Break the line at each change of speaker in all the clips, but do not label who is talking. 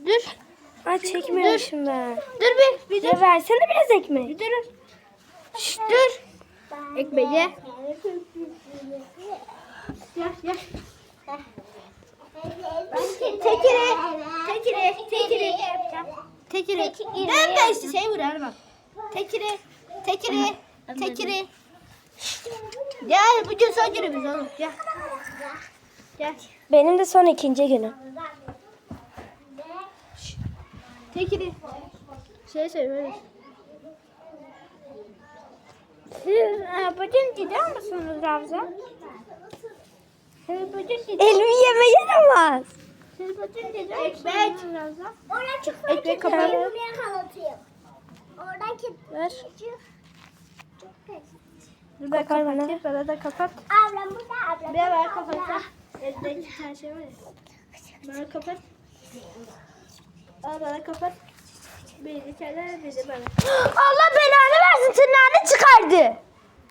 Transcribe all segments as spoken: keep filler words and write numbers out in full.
Dur.
Ay çekmemişim ben.
Dur bir. Bir dur.
Ya versene biraz ekmek.
Bir dur. Şşt dur. Ekmeği ye. Gel gel. Tekiri. Tekiri. Tekiri. Tekiri. Ben de işte şey vurar bak. Tekiri. Tekiri. Tekiri. Gel bugün son günümüz oğlum. Gel. Gel.
Benim de son ikinci günüm.
Tekiri. Şey söyle. Siz e, bugün gidiyor musunuz Ravza? Siz bugün gidiyor
Elimi yeme yaramaz.
Siz bugün gidiyor musunuz Ravza?
Oradan çıkmak
Ekmek
için
kapalı.
elimi yakalatayım. Oradan çık.
Ver.
Çok kötü.
Dur ben
Kopar bana.
kapatayım. Bana da kapat.
Ablam burada, ablam.
Bir ver kapat. Evdeki her şey var ya. Bana kapat. Al bana kapat. Bir de içeride bir de bana.
Allah belanı versin, tırnağını çıkardı.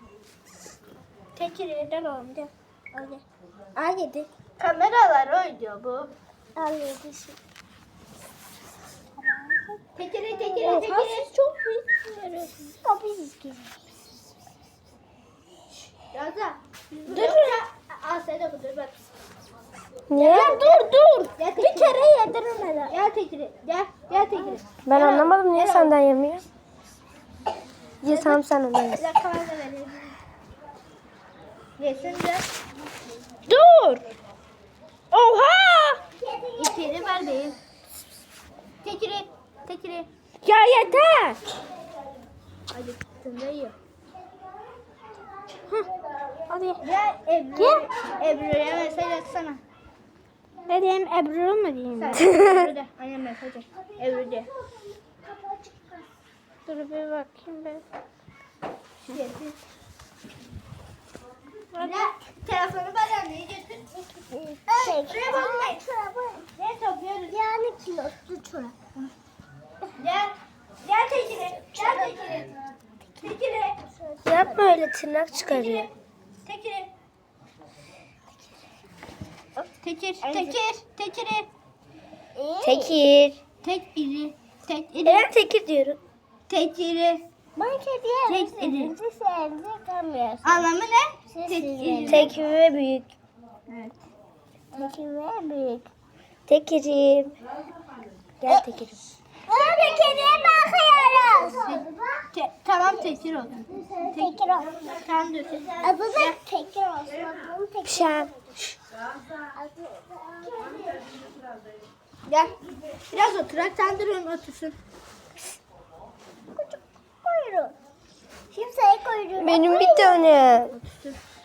Tekiri gel oğlum gel. Al gel.
Al yedi.
Kameralar oynuyor bu.
Al yedi.
Tekiri tekiri
Oha,
tekiri.
siz çok büyük. Kapıyı izleyin.
Raza. Dur. Al sen de dur bak.
Niye?
Dur dur. Gel bir kere yedirmeden. Gel tekiri. Gel. Gel tekiri.
Ben
Gel
anlamadım, niye
Gel
senden yemiyor? Ye tamam, sen ondan ye.
Bir dakika ben de vereyim. Yesin de. Dur. Oha. İçeri ver beyim. Tekiri. Tekiri.
Ya yeter.
Hadi sen de yiyor.
Hadi ye.
Gel Ebru. Ebru'ya mesaj atsana.
Ne diyeyim, Ebru mu diyeyim?
Sen Ebru de. Annem mesaj at. Ebru de.
Dur bir bakayım ben.
Yesin. Ya telefonu bana anneye götür. Şuraya bakmayın. Ne topluyoruz?
Yani kilotlu çorap.
Gel. Gel tekiri. Gel tekiri. Tekiri.
Yapma öyle, tırnak çıkarıyor.
Tekiri. Tekir. Tekir. Tekiri.
Tekir.
Tek iri. Tek iri.
Ben tekir diyorum.
Tekiri.
Ben kediye
Tek iri.
sizi sevmiyorsun.
Anlamı ne? Tek iri.
Tek ve büyük.
Evet.
Peki ve büyük.
Tekirim. Gel tekirim.
Burada kediye bakıyoruz.
Te- tamam tekir olsun.
Tekir ol.
Tamam dur.
Adı da tekir olsun. Bunun tekir.
Pişen.
Gel. Biraz oturak. Sen dur onu otursun.
Küçük kuyruğu. Kimseye kuyruğu.
Benim bir tane.
Otursun.